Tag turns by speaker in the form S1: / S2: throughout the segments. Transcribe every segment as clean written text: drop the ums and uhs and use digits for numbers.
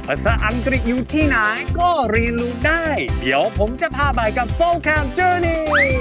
S1: ภาษาอังกฤษอยู่ที่ไหนก็เรียนรู้ได้ เดี๋ยวผมจะพาไปกับ Vocab Journey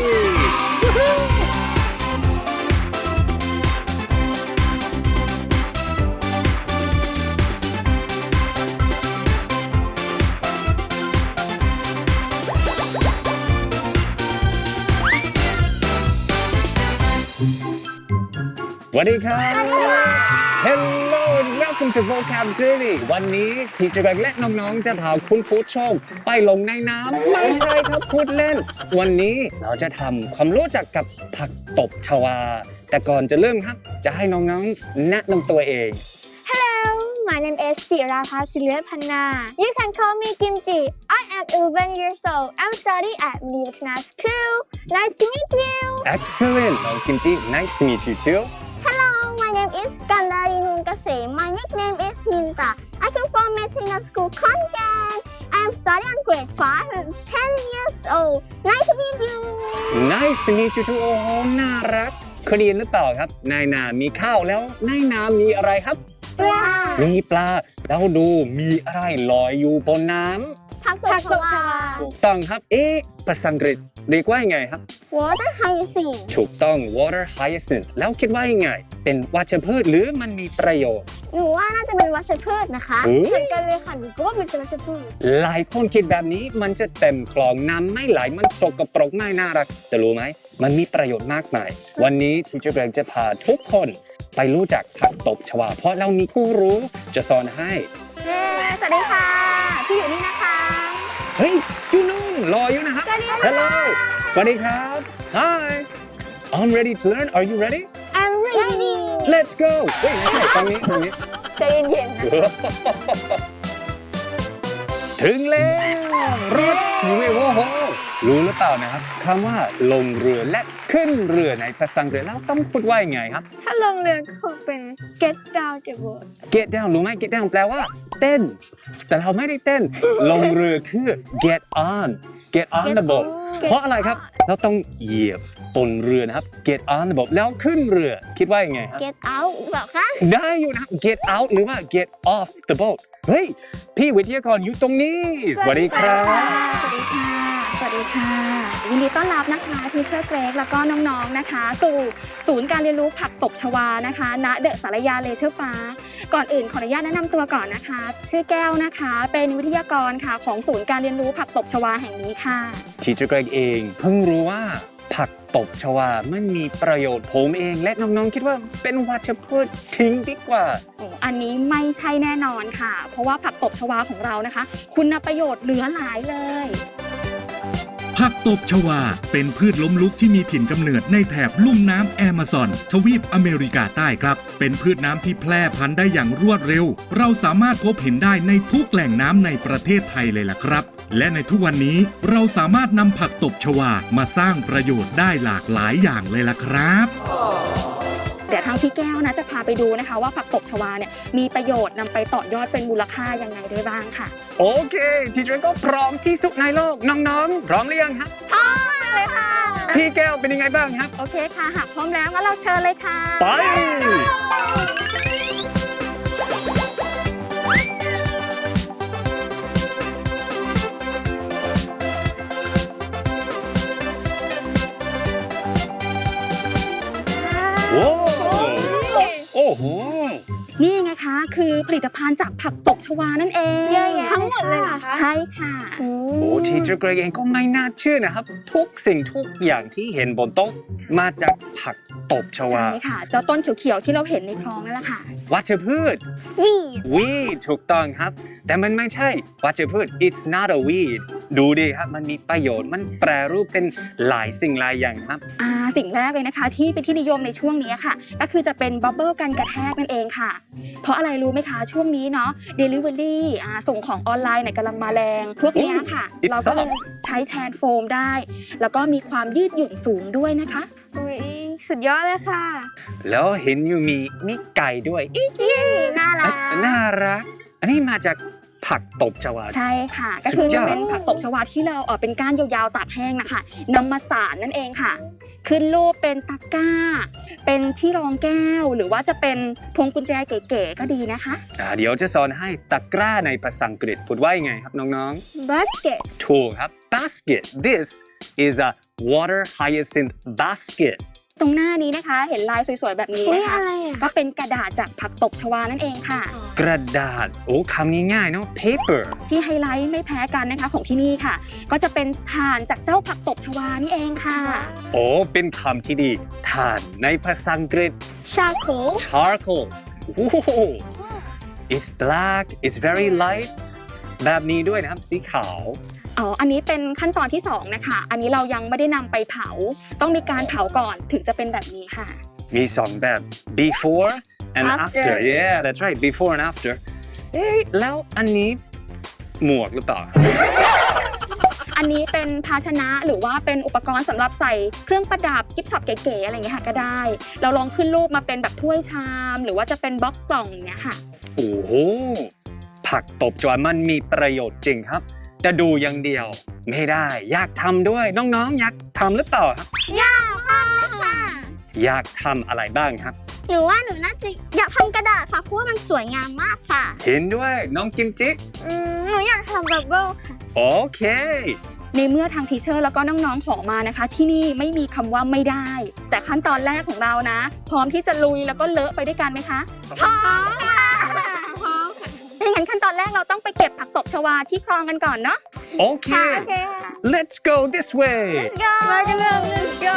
S1: สวัสดีครับ Hello and welcome to Vocab Journey วันนี้ทีเจอร์และน้องๆจะพาคุณผู้ชมไปลงในน้ำไม่ใช่ครับพูดเล่นวันนี้เราจะทำความรู้จักกับผักตบชวาแต่ก่อนจะเริ่มครับจะให้น้องๆแนะนำตัวเอง
S2: Hello, my name is Jirapa Silvapanna. You can call me Kimchi. I am 11 years old. I'm studying at Newton School. Nice to meet you.
S1: Excellent น้องกิมจิ Nice to meet you too
S2: Hello, my name is Kandari Nunkase. My nickname is Minta. I come from Medicine School, Konkan. I am studying grade 5. I'm 10 years old. Nice to meet you.
S1: Nice to meet you too โอ้โหน่ารักเคยเรียนหรือเปล่าครับในนามีข้าวแล้วในนามีอะไรครับ
S2: ปลา
S1: มีปลาแล้วดูมีอะไรลอยอยู่บนน้ำ
S2: ผักตบชวา
S1: ถูกต้องครับภาษาอังกฤษเรียกว่ายังไงครับ
S2: Water hyacinth
S1: ถูกต้อง water hyacinth แล้วคิดว่ายังไงเป็นวัชพืชหรือมันมีประโยชน์
S2: หนูว่าน่าจะเป็นวัชพืชนะคะ
S1: เฮ้ย
S2: เหมือนกันเลยค่ะหนูก็ว่ามันเป็นวัชพืช
S1: หลายคนคิดแบบนี้มันจะเต็มคลองน้ำไม่ไหลมันสกปรกไม่น่ารักแต่รู้ไหมมันมีประโยชน์มากมายวันนี้ทีเจอร์เกรกจะพาทุกคนไปรู้จักผักตบชวาเพราะเรามีผู้รู้จะสอนให้
S2: เย้สวัสดีค่ะ พี่อยู่นี่นะคะ
S1: เฮ้ยอยู่นู่นรออยู่นะครับ
S2: สวัสดีค่ะ
S1: Hello สวัสดีครับ Hi I'm ready to learn Are you ready
S2: I'm ready
S1: Let's go เฮ้ยไม่ใช่ตรงนี้
S2: ใจเย็นๆนะ
S1: ถึงแล้วรถทีวีโอ้โหรู้หรือเปล่านะครับคำว่าลงเรือและขึ้นเรือในภาษาอังกฤษแล้วต้องพูดว่ายังไงครับ
S2: ถ้าลงเรือก็คงเป็น get down the boat
S1: get down รู้ไหม get down แปลว่าเต้น แต่เราไม่ได้เต้น ลงเรือคือ get on the boat เพราะอะไรครับ เราต้องเหยียบบนเรือนะครับ get on the boat แล้วขึ้นเรือคิดว่ายังไงครับ
S2: get out แบบคะ
S1: ได้อยู่นะครับ get out หรือว่า get off the boat เฮ้ย พี่วิทยากรอยู่ตรงนี้ สวัสดีครับ
S3: สวัสดีค่ะ สวัสดีค่ะ ยินดีต้อนรับนะคะทีเชอร์เกรกแล้วก็น้องๆนะคะ สู่ศูนย์การเรียนรู้ผักตบชวานะคะณเดอะสารยาเลเชอร์ฟ้าก่อนอื่นขออนุญาตแนะนำตัวก่อนนะคะ ชื่อแก้วนะคะเป็นวิทยากรค่ะของศูนย์การเรียนรู้ผักตบชวาแห่งนี้ค่ะ
S1: ทีเจอร์เกรกเองเพิ่งรู้ว่าผักตบชวามันมีประโยชน์ผมเองและน้องๆคิดว่าเป็นวัชพืชทิ้งดีกว่า
S3: อันนี้ไม่ใช่แน่นอนค่ะ เพราะว่าผักตบชวาของเรานะคะ คุณประโยชน์เหลือหลายเลย
S4: ผักตบชวาเป็นพืชล้มลุกที่มีถิ่นกำเนิดในแถบลุ่มน้ำแอมะซอนทวีปอเมริกาใต้ครับเป็นพืชน้ำที่แพร่พันธุ์ได้อย่างรวดเร็วเราสามารถพบเห็นได้ในทุกแหล่งน้ำในประเทศไทยเลยล่ะครับและในทุกวันนี้เราสามารถนำผักตบชวามาสร้างประโยชน์ได้หลากหลายอย่างเลยล่ะครับ
S3: เดี๋ยวทางพี่แก้วนะจะพาไปดูนะคะว่าผักตบชวาเนี่ยมีประโยชน์นำไปต่อยอดเป็นมูลค่ายังไงได้บ้างค่ะ
S1: โอเคทีเจอร์ก็พร้อมที่สุดในโลกน้องๆพร้อมหรือยังครับ
S3: พร้อมมากเลยค่ะ
S1: พี่แก้วเป็นยังไงบ้างครับ
S3: โอเคค่ะหากพร้อมแล้วงั้นเราเชิญเลยค่ะ
S1: ไปโอ้โอ้โห
S3: นี่ไงคะคือผลิตภัณฑ์จากผักตบชวานั่นเอง
S2: เยอะแยะทั้งหมดเลยเหรอคะ
S3: ใช่ค่ะ
S1: โอ้ทีเจอร์เกรกเองก็ไม่น่าเชื่อนะครับทุกสิ่งทุกอย่างที่เห็นบนโต๊ะมาจากผักตบชวา
S3: ใช่ค่ะ เจ้าต้นเขียวๆที่เราเห็นในคลองนั่นแหละค่ะ
S1: วัชพืช
S2: weed
S1: weed ถูกต้องครับ แต่มันไม่ใช่วัชพืช it's not a weed ดูดิครับมันมีประโยชน์มันแปรรูปเป็นหลายสิ่งหลายอย่างครับ
S3: สิ่งแรกเลยนะคะที่เป็นที่นิยมในช่วงนี้ค่ะ ก็คือจะเป็นบับเบิลกันกระแทกนั่นเองค่ะ เพราะอะไรรู้ไหมคะช่วงนี้เนาะ Delivery ส่งของออนไลน์เนี่ยกำลังมาแรงพวกเนี้ยค่ะ
S1: It's
S3: เราก็เลยใช้แทนโฟมได้ แล้วก็มีความยืดหยุ่นสูงด้วยนะคะ
S2: อุ๊ยสุดยอดเลยค่ะ
S1: แล้วเห็นอยู่มีไก่ด้วย
S2: น่ารัก
S1: น่ารัก อันนี้มาจากผักตบชวา
S3: ใช่ค่ะ ก็คือ
S1: สุดยอด
S3: เป็นผักตบชวาที่เราเป็นก้านยาวๆตากแห้งนะคะนำมาสานนั่นเองค่ะขึ้นรูปเป็นตะกร้า เป็นที่รองแก้ว หรือว่าจะเป็นพวงกุญแจเก๋ๆก็ดีนะคะ
S1: เดี๋ยวจะสอนให้ตะกร้าในภาษาอังกฤษพูดว่ายังไงครับน้อง
S2: basket
S1: ๆ ถูกครับ basket this is a water hyacinth basket
S3: ตรงหน้านี้นะคะเห็นลายสวยๆแบบนี้
S2: อุ๊ย
S3: นะคะ
S2: อะไรอ่ะ
S3: ก็เป็นกระดาษจากผักตบชวานั่นเองค่ะ
S1: กระดาษโอ้คำนี้ง่ายเนาะ paper
S3: ที่ไฮไลท์ไม่แพ้กันนะคะของที่นี่ค่ะ ก็จะเป็นถ่านจากเจ้าผักตบชวานี่เองค่ะ
S1: โอ้เป็นคำที่ดีถ่านในภาษาอังกฤษ
S2: charcoal
S1: charcoal โอ้โห it's black it's very light แบบนี้ด้วยนะครับสีขาว
S3: อ๋อ อันนี้เป็นขั้นตอนที่2นะคะ อันนี้เรายังไม่ได้นำไปเผา ต้องมีการเผาก่อนถึงจะเป็นแบบนี้ค่ะ
S1: มีสองแบบ before and
S2: After
S1: after yeah that's right before and after เอ๊ะแล้วอันนี้หมวกหรือเปล่า
S3: อันนี้เป็นภาชนะหรือว่าเป็นอุปกรณ์สำหรับใส่เครื่องประดับกิฟต์ช็อปเก๋ๆอะไรอย่างเงี้ยค่ะก็ได้ เราลองขึ้นรูปมาเป็นแบบถ้วยชาม หรือว่าจะเป็นบล็อกกล่องอย่างเงี้ยค่ะ
S1: โอ้โห ผักตบชวามันมีประโยชน์จริงครับ จะดูอย่างเดียวไม่ได้ อยากทำด้วยน้องๆ อยากทำหรือเปล่าครับ
S2: อยากทำค่ะ
S1: อยากทำอะไรบ้างครับ
S2: หนูว่าหนูน่าจะอยากทำกระดาษค่ะเพราะว่ามันสวยงามมากค่ะ
S1: เห็นด้วยน้องกิมจิ
S2: หนูอยากทำบับเบิ้ลค่ะ
S1: โอเค
S3: ในเมื่อทางทีเชอร์แล้วก็น้องๆขอมานะคะ ที่นี่ไม่มีคำว่าไม่ได้ แต่ขั้นตอนแรกของเรานะ พร้อมที่จะลุยแล้วก็เลอะไปด้วยกันไหมคะ
S2: พร้อมค่ะพร้อมค่ะ
S3: ถ้าอย่างนั้นขั้นตอนแรกเราต้องไปเก็บผักตบชวาที่คลองกันก่อนเนาะ
S1: โอเค
S2: ค่ะโอเคค่ะ
S1: let's go this way
S2: Let's go มากันเลย Let's go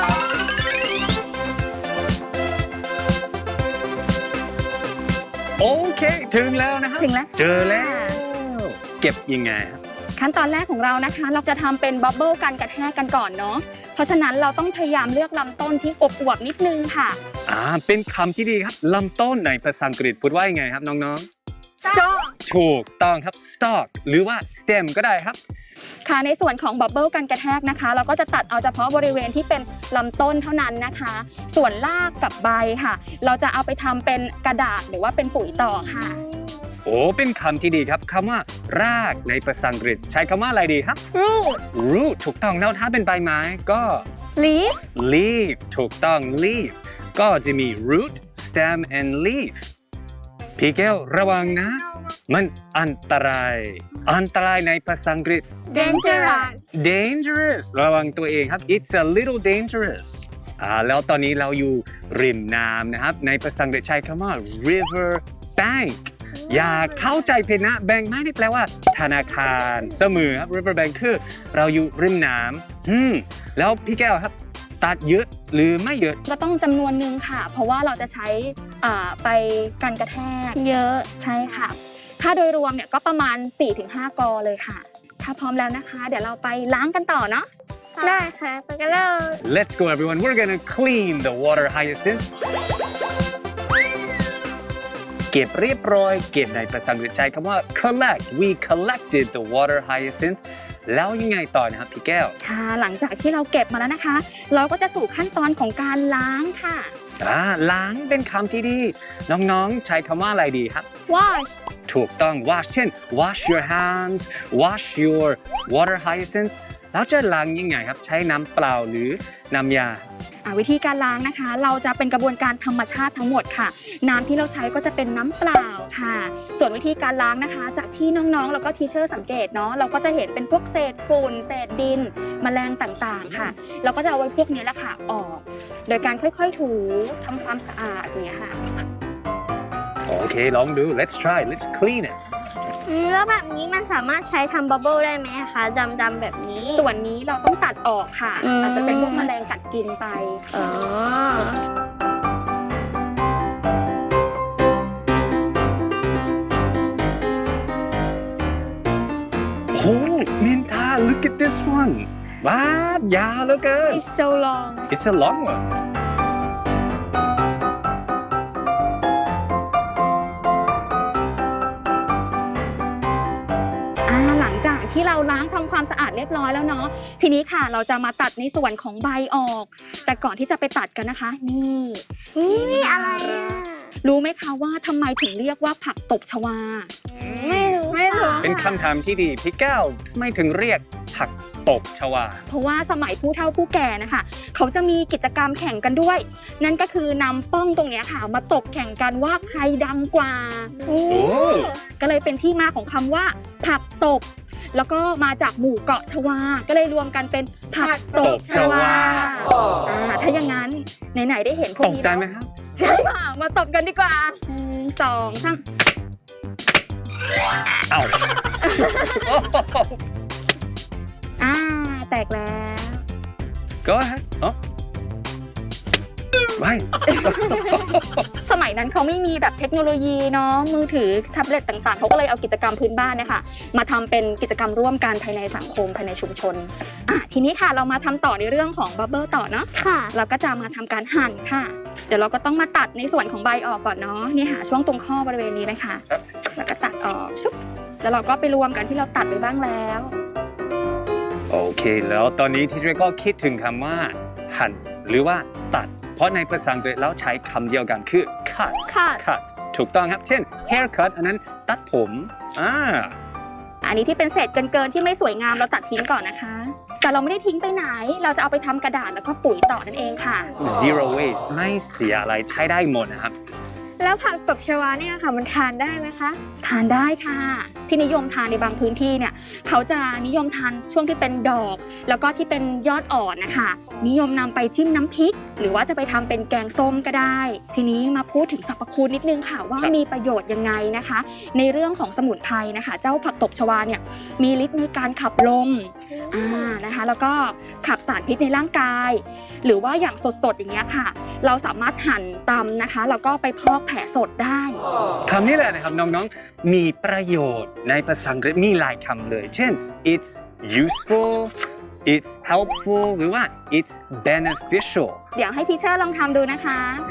S1: โอเค ถึงแล้วนะครับ
S3: ถึงแล้ว
S1: เจอแล้ว เก็บยังไงครับ
S3: ขั้นตอนแรกของเรานะคะ เราจะทำเป็นบับเบิ้ลกันกระแทกกันก่อนเนาะ เพราะฉะนั้นเราต้องพยายามเลือกลำต้นที่อวบๆนิดนึงค่ะ
S1: เป็นคำที่ดีครับลำต้นในภาษาอังกฤษพูดว่ายังไงครับน้อง
S2: Stop
S1: ๆ ถูกต้องครับ stalk หรือว่า stem ก็ได้ครับ
S3: ค่ะในส่วนของบับเบิ้ลกันกระแทกนะคะ เราก็จะตัดเอาเฉพาะบริเวณที่เป็นลำต้นเท่านั้นนะคะ ส่วนรากกับใบค่ะ เราจะเอาไปทำเป็นกระดาษหรือว่าเป็นปุ๋ยต่อค่ะ
S1: โอ้เป็นคำที่ดีครับคำว่ารากในภาษาอังกฤษใช้คำว่าอะไรดีครับ
S2: root
S1: root ถูกต้องแล้วถ้าเป็นใบไม้ก็
S2: leaf
S1: leaf ถูกต้อง leaf ก็จะมี root stem and leaf พี่แก้วระวังนะ มันอันตรายในภาษาอังกฤษ
S2: dangerous
S1: dangerous ระวังตัวเองครับ it's a little dangerous แล้วตอนนี้เราอยู่ริมน้ำนะครับในภาษาอังกฤษใช้คำว่า river bank อย่าเข้าใจผิดนะ bank ไม่ได้แปลว่าธนาคารเสมอครับ river bank คือเราอยู่ริมน้ำแล้วพี่แก้วครับตัดเยอะหรือไม่เยอะ
S3: ก็ต้องจำนวนหนึ่งค่ะ เพราะว่าเราจะใช้ไปกันกระแทกเยอะใช่ค่ะ ค่าโดยรวมเนี่ยก็ประมาณ 4-5 กอเลยค่ะ ถ้าพร้อมแล้วนะคะ เดี๋ยวเราไปล้างกันต่อเนาะ
S2: ได้ค่ะไปกันเลย
S1: Let's go everyone we're gonna clean the water hyacinth เก็บเรียบร้อยเก็บในภาษาอังกฤษใช้คำว่า collect we collected the water hyacinth แล้วยังไงต่อนะครับพี่แก้ว
S3: ค่ะ หลังจากที่เราเก็บมาแล้วนะคะ เราก็จะสู่ขั้นตอนของการล้างค่ะ
S1: ล้างเป็นคำที่ดี น้องๆใช้คำว่าอะไรดีครับ
S2: wash
S1: ถูกต้อง wash เช่น wash your hands wash your water hyacinth แล้วจะล้างยังไงครับ ใช้น้ำเปล่าหรือน้ำยา
S3: วิธีการล้างนะคะ เราจะเป็นกระบวนการธรรมชาติทั้งหมดค่ะ น้ำที่เราใช้ก็จะเป็นน้ำเปล่าค่ะ ส่วนวิธีการล้างนะคะ จากที่น้องๆแล้วก็ทีเชอร์สังเกตเนาะเราก็จะเห็นเป็นพวกเศษฝุ่นเศษดินแมลงต่างๆค่ะ เราก็จะเอาไว้พวกนี้แหละค่ะออก โดยการค่อยๆถูทำความสะอาดอย่างเงี้ยค่ะ
S1: โอเคลองดู let's try let's clean it
S2: แล้วแบบนี้มันสามารถใช้ทำบับเบิ้ลได้ไหมคะดำๆแบบนี้
S3: ส่วนนี้เราต้องตัดออกค่ะ อาจจะเป็นพวกแมลงกัดกินไป
S2: อ๋อ
S1: Oh Minta look at this one ว้าว ยาวเหลือเกิน
S2: It's so long
S1: It's a long one
S3: หลังจากที่เราล้างทำความสะอาดเรียบร้อยแล้วเนาะทีนี้ค่ะเราจะมาตัดในส่วนของใบออก แต่ก่อนที่จะไปตัดกันนะคะ นี่
S2: อะไรอ่ะ
S3: รู้ไหมคะว่าทำไมถึงเรียกว่าผักตบชวา
S2: ไม่รู้
S1: เป็นคำถามที่ดีพี่แก้วไม่ถึงเรียกผักตบชวา
S3: เพราะว่าสมัยผู้เฒ่าผู้แก่นะคะเขาจะมีกิจกรรมแข่งกันด้วย นั่นก็คือนำป้องตรงเนี้ยค่ะมาตบแข่งกันว่าใครดังกว่า ก็เลยเป็นที่มาของคำว่าผักตบ แล้วก็มาจากหมู่เกาะชวา ก็เลยรวมกันเป็นผักตบชวาถ้าอย่างนั้นไหนๆได้เห็นพว
S1: ต
S3: ก
S1: ก
S3: นี้
S1: ใจ
S3: แล้ว
S1: ไหมครับ
S3: ใช่ค่ะมาตบกันดีกว่า1 2 3
S1: เอ้า
S3: แตกแล้ว
S1: Go ahead อ๋อไม่
S3: สมัยนั้นเขาไม่มีแบบเทคโนโลยีเนาะมือถือแท็บเล็ตต่างๆเขาก็เลยเอากิจกรรมพื้นบ้านเนี่ยค่ะมาทำเป็นกิจกรรมร่วมกันภายในสังคมภายในชุมชนทีนี้ค่ะเรามาทำต่อในเรื่องของบับเบิ้ลต่อเนาะ
S2: ค่ะ
S3: เราก็จะมาทำการหั่นค่ะ เดี๋ยวเราก็ต้องมาตัดในส่วนของใบออกก่อนเนาะนี่ค่ะช่วงตรงข้อบริเวณนี้เลยค่ะแล้วก็ตัดออกชุบแล้วเราก็ไปรวมกันที่เราตัดไปบ้างแล้ว
S1: โอเค แล้วตอนนี้ที่เรก็คิดถึงคำว่า หั่นหรือว่าตัด เพราะในภาษาอังกฤษแล้วใช้คำเดียวกันคือ cut cut ถูกต้องครับ เช่น haircut อันนั้นตัดผม
S3: อันนี้ที่เป็นเศษเกินๆที่ไม่สวยงามเราตัดทิ้งก่อนนะคะ แต่เราไม่ได้ทิ้งไปไหน เราจะเอาไปทำกระดาษแล้วก็ปุ๋ยต่อนั่นเองค่ะ
S1: zero waste ไม่เสียอะไรใช้ได้หมดนะครับ
S2: แล้วผักตบชวาเนี่ยค่ะมันทานได้ไหมคะ
S3: ทานได้ค่ะ ที่นิยมทานในบางพื้นที่เนี่ยเขาจะนิยมทานช่วงที่เป็นดอก แล้วก็ที่เป็นยอดอ่อนนะคะนิยมนำไปจิ้มน้ำพริก หรือว่าจะไปทำเป็นแกงส้มก็ได้ ทีนี้มาพูดถึงสรรพคุณนิดนึงค่ะว่ามีประโยชน์ยังไงนะคะ ในเรื่องของสมุนไพรนะคะ เจ้าผักตบชวาเนี่ยมีฤทธิ์ในการขับลมนะคะแล้วก็ขับสารพิษในร่างกาย หรือว่าอย่างสดๆอย่างเงี้ยค่ะ เราสามารถหั่นตำนะคะแล้วก็ไปพอกแผลสดได้
S1: คำนี้แหละนะครับน้องๆ มีประโยชน์ในภาษาอังกฤษมีหลายคำเลย เช่น it's useful it's helpful หรือว่า it's beneficial
S3: เดี๋ยวให้ทีเชอร์ลองทำดูนะคะ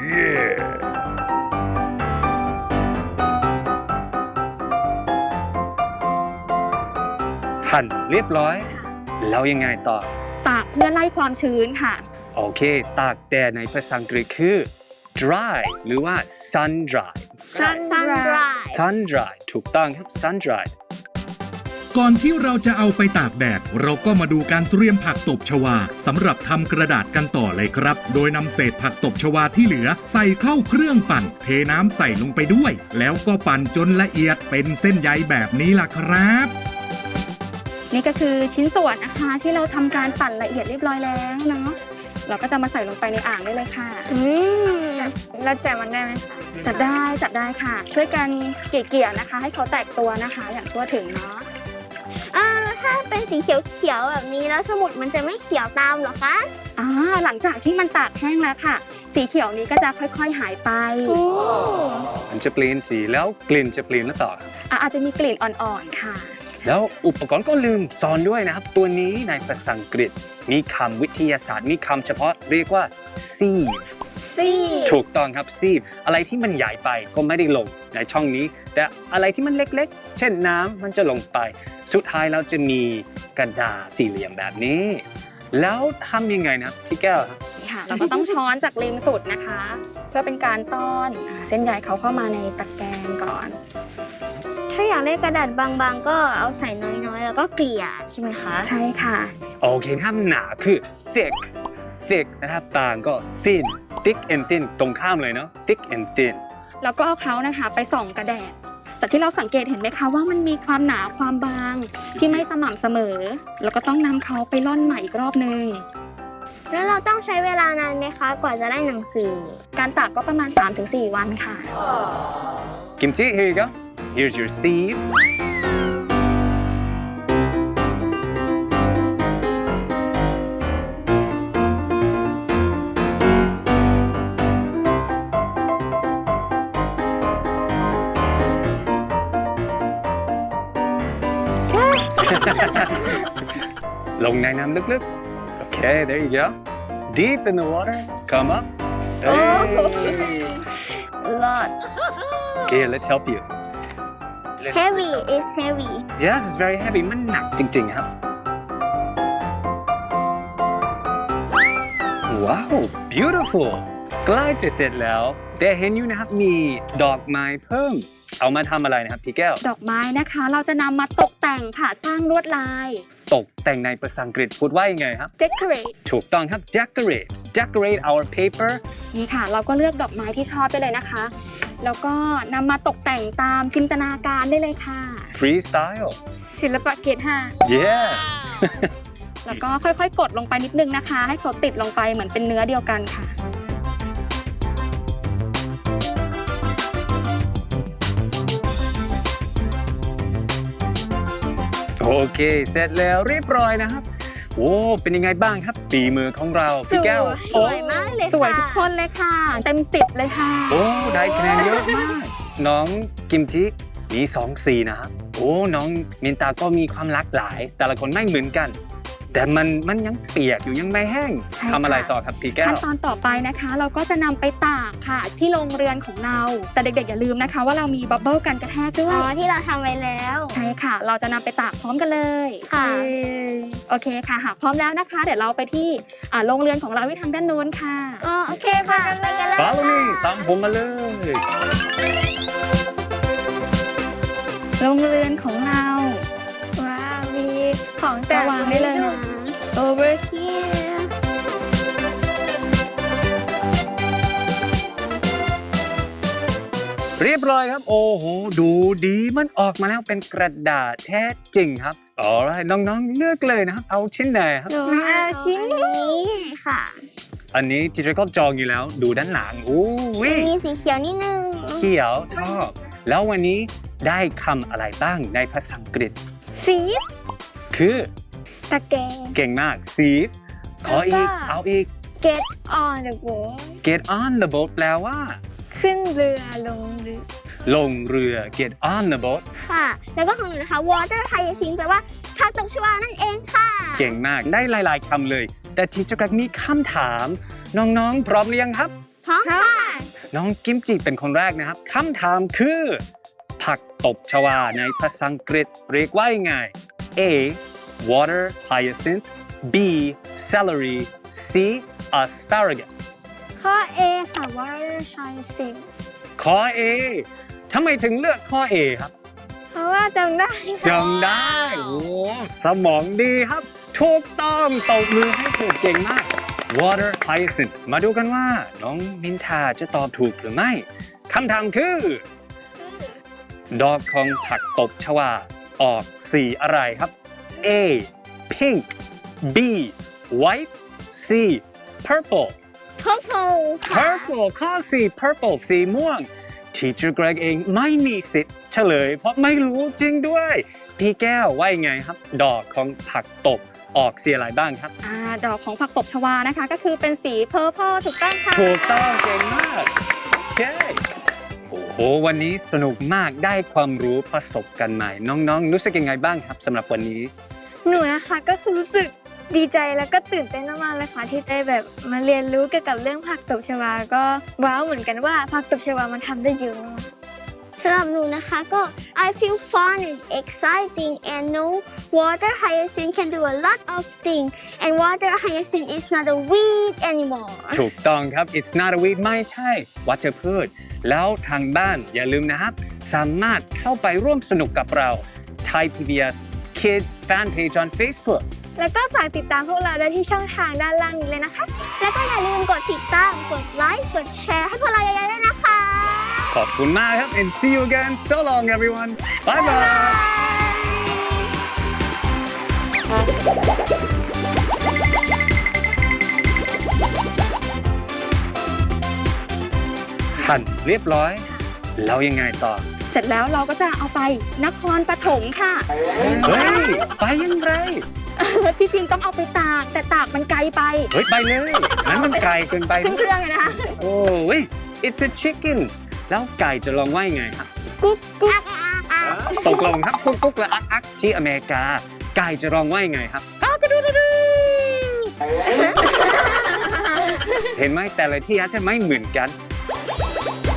S1: หั่นเรียบร้อย แล้วยังไงต่อ
S3: ตากเพื่อไล่ความชื้นค่ะ
S1: โอเค ตากแดดในภาษาอังกฤษคือ dry หรือว่า sun dry
S2: sun dry
S1: sun dry ถูกต้องครับ sun dry
S4: ก่อนที่เราจะเอาไปตากแดด เราก็มาดูการเตรียมผักตบชวาสำหรับทำกระดาษกันต่อเลยครับ โดยนำเศษผักตบชวาที่เหลือใส่เข้าเครื่องปั่น เทน้ำใส่ลงไปด้วย แล้วก็ปั่นจนละเอียดเป็นเส้นใยแบบนี้ล่ะครับ
S3: นี่ก็คือชิ้นส่วนนะคะที่เราทำการปั่นละเอียดเรียบร้อยแล้วเนาะเราก็จะมาใส่ลงไปในอ่างได้เลยค่ะ
S2: เราแจกมันได้ไหมคะ
S3: จับได้ค่ะ ช่วยกันเกี่ยๆนะคะ ให้เขาแตกตัวนะคะ อย่างทั่วถึงเนาะ
S2: ถ้าเป็นสีเขียวๆแบบนี้แล้วสมุดมันจะไม่เขียวตามเหรอคะ
S3: หลังจากที่มันตากแห้งแล้วค่ะ สีเขียวนี้ก็จะค่อยๆหายไป
S1: มันจะเปลี่ยนสีแล้วกลิ่นจะเปลี่ยนหรือเปล่าครับ
S3: อาจจะมีกลิ่นอ่อนๆค่ะ
S1: แล้วอุปกรณ์ก็ลืมสอนด้วยนะครับ ตัวนี้ในภาษาอังกฤษมีคำวิทยาศาสตร์มีคำเฉพาะเรียกว่า sieve ถูกต้องครับ sieve อะไรที่มันใหญ่ไปก็ไม่ได้ลงในช่องนี้ แต่อะไรที่มันเล็กๆ เช่นน้ำมันจะลงไป สุดท้ายเราจะมีกระดาษสี่เหลี่ยมแบบนี้ แล้วทำยังไงนะพี่แก้วครับ
S3: ค่ะ เราก็ต้องช้อนจากริมสุดนะคะ เพื่อเป็นการต้อนเส้นใยเขาเข้ามาในตะแกรงก่อน
S2: ถ้าอยากได้กระดาษบางๆ ก็เอาใส่น้อยๆ แล้วก็เกลี่ยใช่ไหมคะ
S3: ใช่ค่ะ
S1: โอเคถ้าหนาคือ thick นะครับต่างก็ thick and thin ตรงข้ามเลยเนาะ thick and thin
S3: แล้วก็เอาเขานะคะไปส่องกระแดดจากที่เราสังเกตเห็นไหมคะว่ามันมีความหนาความบางที่ไม่สม่ำเสมอ แล้วก็ต้องนำเขาไปร่อนใหม่อีกรอบนึง
S2: แล้วเราต้องใช้เวลานานไหมคะกว่าจะได้หนังสือ
S3: การตากก็ประมาณ 3-4 วันค่ะ
S1: Kimchi here you go here's your sieveลงในน้ำลึกๆ Okay there you go deep in the water come up hey.
S2: lot
S1: Okay let's help you
S2: heavy is heavy
S1: Yes it's very heavy มันหนักจริงๆครับ Wow beautiful ใกล้จะเสร็จแล้วแต่เห็นอยู่นะครับมีดอกไม้เพิ่มเอามาทำอะไรนะครับพี่แก้ว
S3: ดอกไม้นะคะเราจะนำมาตกแต่งค่ะสร้างลวดลาย
S1: ตกแต่งในภาษาอังกฤษพูดว่ายังไงครับ
S3: decorate
S1: ถูกต้องครับ decorate our paper
S3: นี่ค่ะ เราก็เลือกดอกไม้ที่ชอบได้เลยนะคะ แล้วก็นำมาตกแต่งตามจินตนาการได้เลยค่ะ
S1: freestyle
S3: ศิลปะเกรด5
S1: yeah
S3: แล้วก็ค่อยๆ กดลงไปนิดนึงนะคะ ให้เขาติดลงไปเหมือนเป็นเนื้อเดียวกันค่ะ
S1: โอเค เสร็จแล้วเรียบร้อยนะครับโอ้เป็นยังไงบ้างครับฝีมือของเราพี่แก้ว
S2: สวยมากเลย
S3: สวย
S2: ค่ะ
S3: ทุกคนเลยค่ะ เต็ม10เลยค่ะ
S1: โอ้ได้คะแนนเยอะมาก น้องกิมจิมี2สีนะครับโอ้น้องมินตาก็มีความหลากหลาย แต่ละคนไม่เหมือนกัน แต่มันยังเปียกอยู่ยังไม่แห้ง
S3: ใช่ค่ะ
S1: ทำอะไรต่อครับพี่แก้
S3: ขั้
S1: วน
S3: ตอนต่อไปนะคะ เราก็จะนำไปตากค่ะ ที่โรงเรือนของเรา แต่เด็กๆอย่าลืมนะคะ ว่าเรามีบับเบิ้ลกันกระแทกด้ว
S2: อ๋
S3: ย
S2: อที่เราทำไว้แล้ว
S3: ใช่ค่ะ เราจะนำไปตากพร้อมกันเลย
S2: ค่ะ
S3: โอเคค่ะหากพร้อมแล้วนะคะ เดี๋ยวเราไปที่โรงเรือนของเราที่ทางด้านโน้นค่ะ
S2: อ๋อโอเคค่ะไปกันเลย
S1: Follow me ตามผมมาเลย
S3: โรงเรือนของเรา
S2: ว้าวมีของแต่
S3: วางได้เลยนะ
S2: over here
S1: เรียบร้อยครับ โอ้โห ดูดีมันออกมาแล้วเป็นกระดาษแท้จริงครับอ๋อน้องๆเลือกเลยนะครับ เอาชิ้นไหนครับ
S2: หนูเอาชิ้นนี้ค่ะ
S1: อันนี้ทีเจอร์ก็จองอยู่แล้ว ดูด้านหลังอู้วิ
S2: มีสีเขียวนิดนึง
S1: เขียวชอบ แล้ววันนี้ได้คำอะไรบ้างในภาษาอังกฤษ
S2: สี
S1: คือ
S2: ตะแกรง
S1: เก่งมากสีขออีก
S2: แล้วก็
S1: เอาอีก
S2: get on the boat
S1: get on the boat แปลว่า
S2: ขึ้นเรือลงเรือ
S1: ลงเรือ get on the boat
S2: ค่ะ แล้วก็ของหนูนะคะ water hyacinth แปลว่าผักตบชวานั่นเองค่ะ
S1: เก่งมากได้หลายๆคำเลย แต่ทีเจอร์ก็มีคำถาม น้องๆ พร้อมหรือยังครับ
S2: พร้อมค่ะ
S1: น้องกิมจิเป็นคนแรกนะครับคำถามคือ ผักตบชวาในภาษาอังกฤษเรียกว่ายังไง A water hyacinth B celery C asparagus
S2: ข้อ A ค่ะ water hyacinth
S1: ข้อ A ทำไมถึงเลือกข้อ A ครับ
S2: เพราะว่าจำได้ค่ะ
S1: จำได้ โอ้สมองดีครับ ถูกต้องตบมือให้ถูกเก่งมาก water hyacinth มาดูกันว่า น้องมินทาจะตอบถูกหรือไม่คำถามคือ ดอกของผักตบชวาออกสีอะไรครับ A pink B white C purple
S2: purple ค่ะ
S1: purple ข้อ C purple สีม่วง Teacher Greg เองไม่มีสิทธิ์เฉลย เพราะไม่รู้จริงด้วย พี่แก้วว่ายังไงครับ ดอกของผักตบออกสีอะไรบ้างครับ
S3: ดอกของผักตบชวานะคะ ก็คือเป็นสี purple ถูกต้องค่ะ
S1: ถูกต้องเก่งมากโอเคโอ้โหวันนี้สนุกมากได้ความรู้ประสบกันใหม่ น้องๆ รู้สึกยังไงบ้างครับสำหรับวันนี้
S2: หนูนะคะก็คือรู้สึกดีใจแล้วก็ตื่นเต้นมากๆเลยค่ะที่ได้แบบมาเรียนรู้เกี่ยวกับเรื่องผักตบชวาก็ว้าวเหมือนกันว่าผักตบชวามันทำได้เยอะมากสำหรับหนูนะคะก็ I feel fun and exciting and know water hyacinth can do a lot of things and water hyacinth is not a weed anymore
S1: ถูกต้องครับ it's not a weed ไม่ใช่วัชพืช แล้วทางบ้านอย่าลืมนะครับ สามารถเข้าไปร่วมสนุกกับเรา Thai PBS Kids Fan Page on Facebook
S2: แล้วก็ฝากติดตามพวกเราได้ที่ช่องทางด้านล่างนี้เลยนะคะ แล้วก็อย่าลืมกดติดตาม กดไลค์ กดแชร์ให้พวกเราเยอะๆด้วยนะคะ
S1: ขอบคุณมากครับ and see you again so long everyone bye bye หั่นเรียบร้อย แล้วยังไงต่อ
S3: เสร็จแล้วเราก็จะเอาไปนครปฐมค่ะ
S1: เฮ้ย ไปยังไง
S3: ที่จริงต้องเอาไปตากแต่ตากมันไกลไป
S1: เฮ้ย ไปเลยนั้นมันไกลเกินไป
S3: ขึ้นเครื่องเลยนะคะ
S1: โอ้ย it's a chicken แล้วไก่จะลองว่ายังไงครับ
S3: กุ๊กกุ๊ก
S1: ตกลงครับกุ๊กกุ๊กและอักอักที่อเมริกา ไก่จะลองว่ายังไงครับ
S3: กระดูดูดู
S1: เห็นไหมแต่ละที่อาจจะไม่เหมือนกัน